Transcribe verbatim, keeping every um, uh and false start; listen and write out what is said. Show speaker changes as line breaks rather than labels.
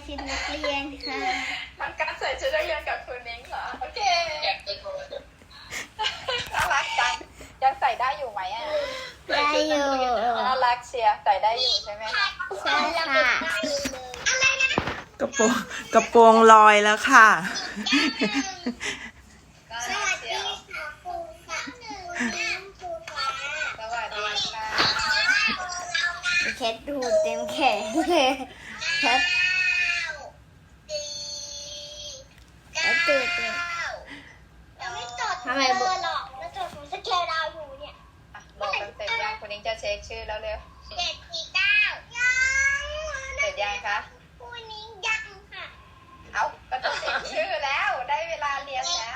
ชุดนักเรียนค่ะ
น้องกัสใส่ชุดนักเรียนกับคุณนิ้งเหรอโอเคน่ารักจังยังใส่ได้อยู่ไหมอ่ะ
ได้อยู่
น่ารักเชียร์ใส่ได้อยู่ใช่ไหมคะ
ใช่ค่ะ
กระโปรงกระโปรงลอยแล้วค่ะ
ก็น่าเชียวสวัสดีค่ะ
แคทดูเต็มแขนเลยแคทแคทตื่นเลย
เราไม่จด
ทำไม
เบ
บุ
อร์หรอกเราจดของสเกลดาวอยู่เนี่ย
อ่ะบอกกันเสร็จยังคุณนิ้งจะเช็คชื่อแล้วเร็ว
เจ็ดสี่เก้ายัง
เสร็จยังคะ
คู่นี้ยังค่ะ
เอาก็จะเช็คชื่อแล้วได้เวลาเรียนแล้ว